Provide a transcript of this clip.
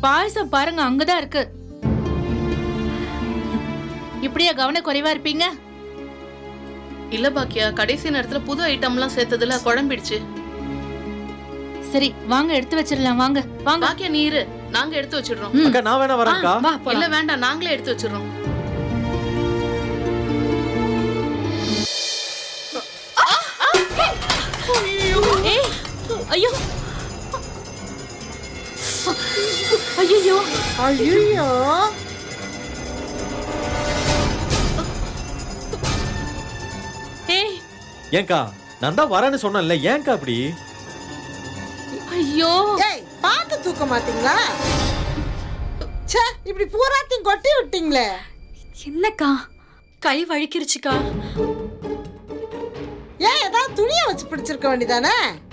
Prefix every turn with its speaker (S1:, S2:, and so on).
S1: பாயசம் பாருங்க அங்கதான் இருக்கு. இப்படியா கவனக்குறைவா இருப்பீங்க?
S2: இல்ல பாக்கியா, கடைசி நேரத்துல புது ஐட்டம்லாம் சேர்த்ததுல குழம்பிடுச்சு.
S1: சரி வாங்க எடுத்து வச்சிடலாம். வாங்க வாங்க.
S2: பாக்கியா நீரு நாங்க எடுத்து வச்சிடுறோம்.
S3: அக்கா நான் வேணா வரேன்க்கா.
S1: வா
S2: இல்ல
S1: போலாம்.
S2: வேண்டாம், நாங்களே எடுத்து வச்சிடுறோம்.
S1: ஏய் ஐயோ ஐயோ
S4: ஐயோ
S1: ஏய்
S3: ஏன்க்கா நான் தான் வரேன்னு சொன்னேன்ல, ஏன்க்கா அப்படி?
S1: ஐயோ
S4: ஏய் பாத்து தூக்க மாட்டீங்களா? ச்சே, இப்படி பூராத்தையும் கொட்டி விட்டீங்களே.
S5: என்னக்கா கை வழுக்கிருச்சுக்கா.
S4: ஏன் ஏதாவது துணியை வச்சு பிடிச்சிருக்க வேண்டியதானே?